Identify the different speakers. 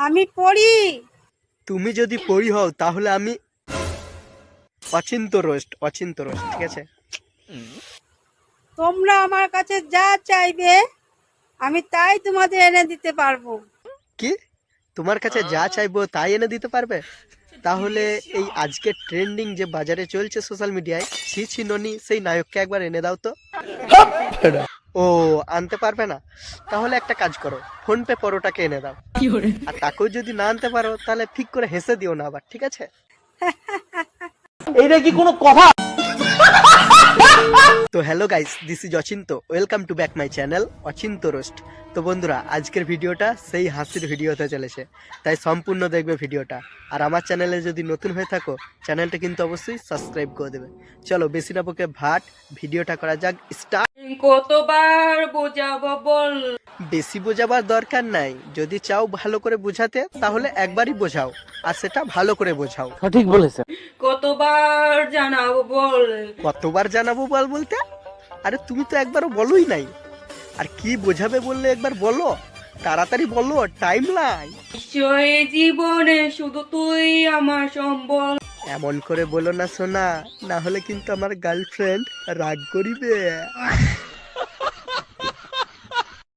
Speaker 1: আমি পড়ি।
Speaker 2: তুমি যদি পড়ি হও তাহলে আমি অচিন্ত রোস্ট, ঠিক আছে?
Speaker 1: তোমরা আমার কাছে যা চাইবে আমি তাই তোমাদের এনে দিতে পারবো।
Speaker 2: কি? তোমার কাছে যা চাইবো তাই এনে দিতে পারবে? তাহলে এই আজকে ট্রেন্ডিং যে বাজারে চলছে সোশ্যাল মিডিয়ায়, ছি ছি ননি, সেই নায়ককে একবার এনে দাও তো। ও, আনতে পারবে না? তাহলে একটা কাজ করো, ফোন পে পরোটাকে এনে দাও। আর তাকেও যদি না আনতে পারো তাহলে ঠিক করে হেসে দিও না আবার, ঠিক আছে?
Speaker 3: এইটা কি কোনো কথা?
Speaker 2: তো hello guys, this is Achinta, welcome to back my channel Achinta roast. তো বন্ধুরা, আজকের ভিডিওটা সেই হাসির ভিডিও হতে চলেছে, তাই সম্পূর্ণ দেখবে ভিডিওটা। আর আমার চ্যানেলে যদি নতুন হয়ে থাকো, চ্যানেলটা কিন্তু অবশ্যই সাবস্ক্রাইব করে দেবে। চলো বেশি না বকে ভাট, ভিডিওটা করা যাক স্টার্ট।
Speaker 4: কতবার বোঝাবো বল?
Speaker 2: বেশি বোঝাবার দরকার নাই, যদি চাও ভালো করে বোঝাতে তাহলে একবারই বোঝাও, আর সেটা ভালো করে বোঝাও।
Speaker 3: সঠিক বলেছেন।
Speaker 4: কতবার জানাবো বল?
Speaker 2: কতবার জানাবো বল বলতে? আরে তুমি তো একবারও বলোই নাই। আর কি বোঝাবে বললে একবার বলো, তাড়াতাড়ি বলো, টাইম নাই।
Speaker 4: নিশ্চয় জীবনে শুধু তুই আমার সম্বল।
Speaker 2: এমন করে বলো না সোনা, না হলে কিন্তু আমার গার্লফ্রেন্ড রাগ করিবে।